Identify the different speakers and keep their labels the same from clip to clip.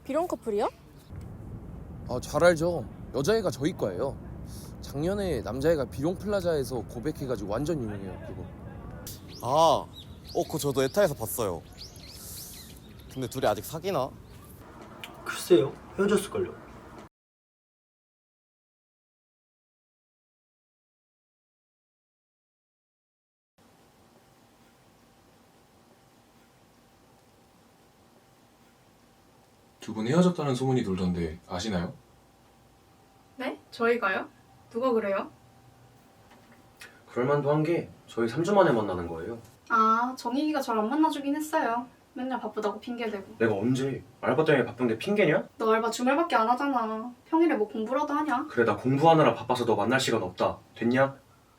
Speaker 1: 비룡 커플이요?
Speaker 2: 아, 잘 알죠. 여자애가 저희 과예요. 작년에 남자애가 비룡 플라자에서 고백해가지고 완전 유명해요, 그거.
Speaker 3: 그거 저도 에타에서 봤어요. 근데 둘이 아직 사귀나?
Speaker 4: 글쎄요, 헤어졌을걸요.
Speaker 5: 두 분 헤어졌다는 소문이 돌던데 아시나요?
Speaker 6: 네? 저희가요? 누가 그래요?
Speaker 4: 그럴만도 한 게 저희 3주 만에 만나는 거예요.
Speaker 6: 아, 정익이가 절 안 만나주긴 했어요. 맨날 바쁘다고 핑계대고.
Speaker 4: 내가 언제 알바 때문에 바쁜데 핑계냐?
Speaker 6: 너 알바 주말밖에 안 하잖아. 평일에 뭐 공부라도 하냐?
Speaker 4: 그래, 나 공부하느라 바빠서 너 만날 시간 없다. 됐냐?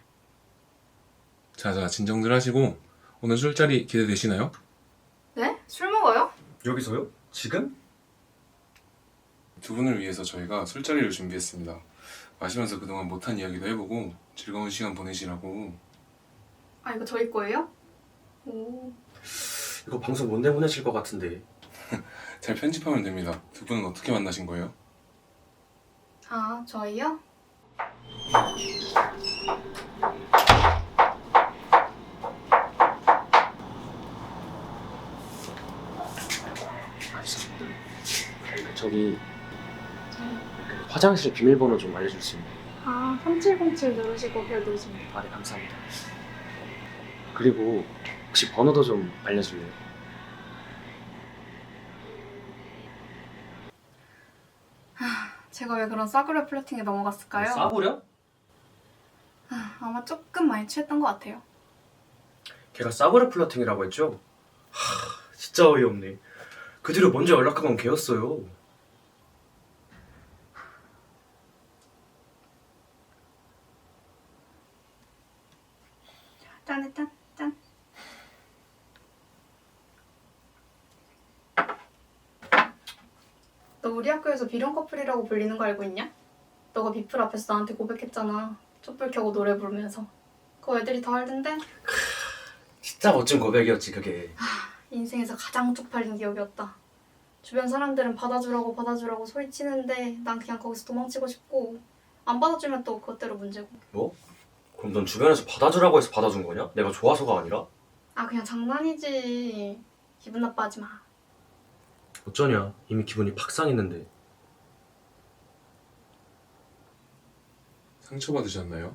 Speaker 5: 자자 진정들 하시고 오늘 술자리 기대되시나요?
Speaker 6: 네? 술 먹어요?
Speaker 4: 여기서요? 지금?
Speaker 5: 두 분을 위해서 저희가 술자리를 준비했습니다. 마시면서 그동안 못한 이야기도 해보고 즐거운 시간 보내시라고.
Speaker 6: 아, 이거 저희 거예요? 오.
Speaker 4: 이거 방송 못 내보내실 것 같은데.
Speaker 5: 잘 편집하면 됩니다. 두 분은 어떻게 만나신 거예요?
Speaker 6: 아, 저희요?
Speaker 4: 저기 화장실 비밀번호 좀 알려줄 수 있나요?
Speaker 6: 아, 3707 누르시고 별 누르시면 돼요.
Speaker 4: 아, 네, 감사합니다. 그리고 혹시 번호도 좀 알려줄래요?
Speaker 6: 제가 왜 그런 싸구려 플러팅에 넘어갔을까요?
Speaker 4: 싸구려?
Speaker 6: 아마 조금 많이 취했던 것 같아요.
Speaker 4: 걔가 싸구려 플러팅이라고 했죠? 진짜 어이없네. 그 뒤로 먼저 연락한 건 걔였어요.
Speaker 6: 짠, 일단 짠. 너 우리 학교에서 비룡 커플이라고 불리는 거 알고 있냐? 너가 비플 앞에서 나한테 고백했잖아. 촛불 켜고 노래 부르면서. 그거 애들이 다 알던데?
Speaker 4: 진짜 멋진 고백이었지, 그게.
Speaker 6: 인생에서 가장 쪽팔린 기억이었다. 주변 사람들은 받아주라고 소리치는데 난 그냥 거기서 도망치고 싶고 안 받아주면 또 그것대로 문제고.
Speaker 4: 뭐? 그럼 넌 주변에서 받아주라고 해서 받아준 거냐? 내가 좋아서가 아니라?
Speaker 6: 아, 그냥 장난이지. 기분 나빠하지 마.
Speaker 4: 어쩌냐, 이미 기분이 팍 상했는데.
Speaker 5: 상처받으셨나요?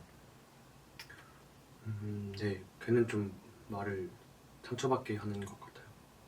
Speaker 4: 네, 걔는 좀 말을 상처받게 하는 것 같아요.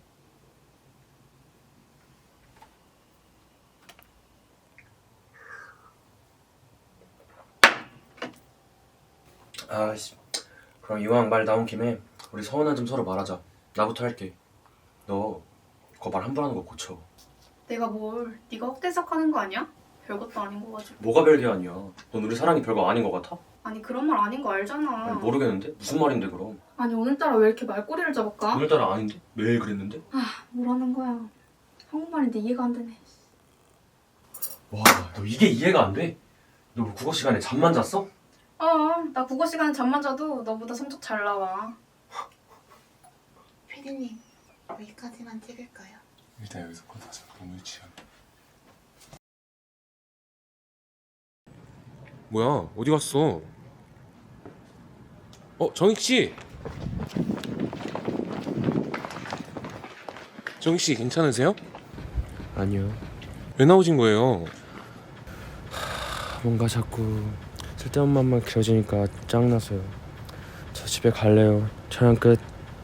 Speaker 4: 아씨, 그럼 이왕 말 나온 김에 우리 서운한 점 서로 말하자. 나부터 할게. 너 그거 말 함부로 하는 거 고쳐.
Speaker 6: 내가 뭘 네가 헛대석하는 거 아니야? 별것도 아닌 거 가지고.
Speaker 4: 뭐가 별게 아니야. 넌 우리 사랑이 별거 아닌 것 같아?
Speaker 6: 아니, 그런 말 아닌 거 알잖아.
Speaker 4: 아니, 모르겠는데? 무슨 말인데 그럼?
Speaker 6: 아니, 오늘따라 왜 이렇게 말꼬리를 잡을까?
Speaker 4: 오늘따라 아닌데? 매일 그랬는데?
Speaker 6: 뭐라는 거야. 한국말인데 이해가 안 되네.
Speaker 4: 와, 너 이게 이해가 안 돼? 너 국어 시간에 잠만 잤어?
Speaker 6: 나 국어 시간에 잠만 자도 너보다 성적 잘 나와.
Speaker 7: 피디님, 여기까지만 찍을까요?
Speaker 5: 일단 여기서 컷하자. 너무 유치한. 뭐야? 어디 갔어? 정익 씨. 정익 씨 괜찮으세요?
Speaker 4: 아니요.
Speaker 5: 왜 나오신 거예요?
Speaker 4: 뭔가 자꾸 쓸데없는 맘만 길어지니까 짱나서요. 저 집에 갈래요. 촬영 끝.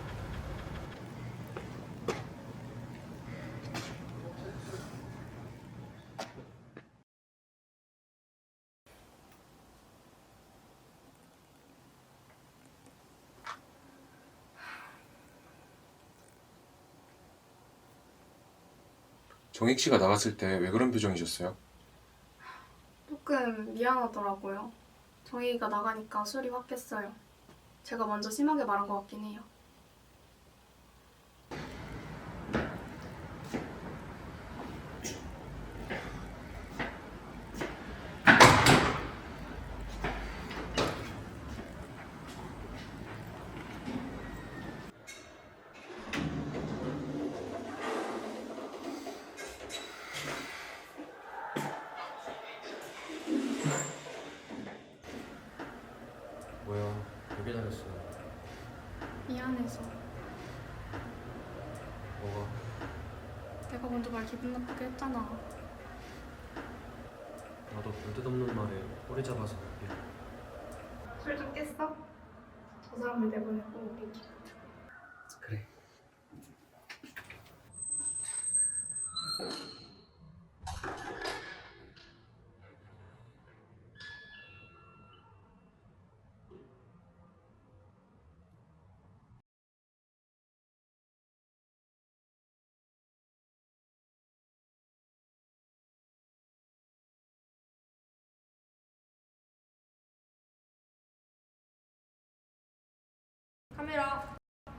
Speaker 5: 정익 씨가 나갔을 때 왜 그런 표정이셨어요?
Speaker 6: 조금 미안하더라고요. 정희가 나가니까 술이 확 깼어요. 제가 먼저 심하게 말한 것 같긴 해요.
Speaker 4: 미안했어.
Speaker 6: 미안해서.
Speaker 4: 뭐가?
Speaker 6: 내가 먼저 말 기분 나쁘게 했잖아.
Speaker 4: 나도 볼 듯 없는 말에 꼬리 잡아서 미안.
Speaker 6: 술 좀 깼어? 저 사람을 내보내고 우리 기분 좋아.
Speaker 4: 그래.
Speaker 1: 카메라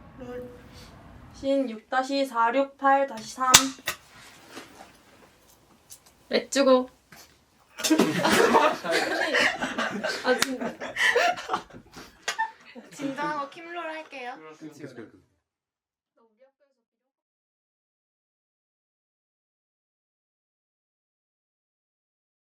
Speaker 1: 신 6-468-3
Speaker 6: 렛츠고.
Speaker 1: 아 진짜
Speaker 7: 진정하고 킴롤 할게요.
Speaker 3: 그치, 그치, 그치.